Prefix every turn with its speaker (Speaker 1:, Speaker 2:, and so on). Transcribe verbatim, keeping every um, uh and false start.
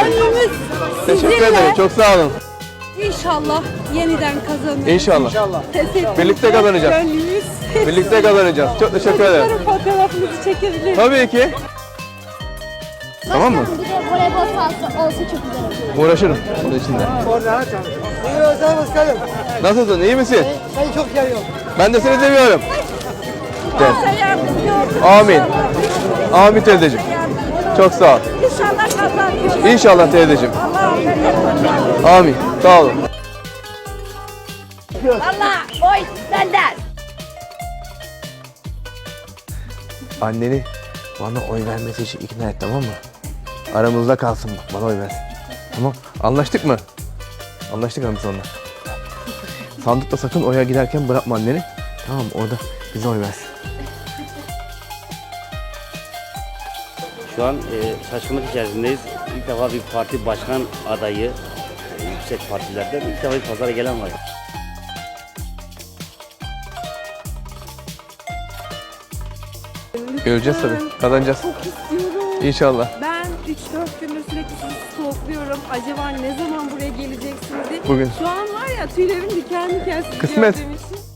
Speaker 1: Gönlümüz
Speaker 2: Teşekkür
Speaker 1: sizinle.
Speaker 2: ederim. Çok sağ olun.
Speaker 1: İnşallah yeniden kazanırız.
Speaker 2: İnşallah.
Speaker 1: Teşekkür
Speaker 2: Birlikte kazanacağız.
Speaker 1: Gönlümüz.
Speaker 2: Birlikte kazanacağız. Çok teşekkür ederim.
Speaker 1: Çocukların fotoğrafınızı çekebilir.
Speaker 2: Tabii ki. Tamam mı?
Speaker 3: Bir de voleybol sahası olsa çok güzel olur.
Speaker 2: Uğraşırım bunun içinde.
Speaker 4: Orada açalım. İyi olsa başkanım.
Speaker 2: Nasılsın? İyi misin?
Speaker 4: Seni çok seviyorum.
Speaker 2: Ben de seni seviyorum. Gel.
Speaker 1: Allah yardımcı olsun.
Speaker 2: Amin. Amin teyzeciğim. Çok sağ ol.
Speaker 1: İnşallah kazanırız.
Speaker 2: İnşallah teyzeciğim.
Speaker 1: Allah affeder.
Speaker 2: Amin. Sağ olun.
Speaker 1: Allah oy senden.
Speaker 2: Anneni bana oy vermesi için ikna et, tamam mı? Aramızda kalsın bak, bana oy versin. Tamam. Anlaştık mı? Anlaştık mı biz onunla? Sandıkta sakın oya giderken bırakma anneni. Tamam mı? Orada bize oy versin.
Speaker 5: Şu an e, şaşkınlık içerisindeyiz. İlk defa bir parti başkan adayı, e, yüksek partilerden ilk defa bir pazara gelen var.
Speaker 2: Göreceğiz tabii. Kazanacağız.
Speaker 6: Çok istiyorum.
Speaker 2: İnşallah.
Speaker 6: Ben üç dört gündür sürekli sizi stalkluyorum. Acaba ne zaman buraya geleceksiniz diye.
Speaker 2: Bugün.
Speaker 6: Şu an var ya tüylerim diken diken sizi
Speaker 2: Kısmet.
Speaker 6: gördüğüm için.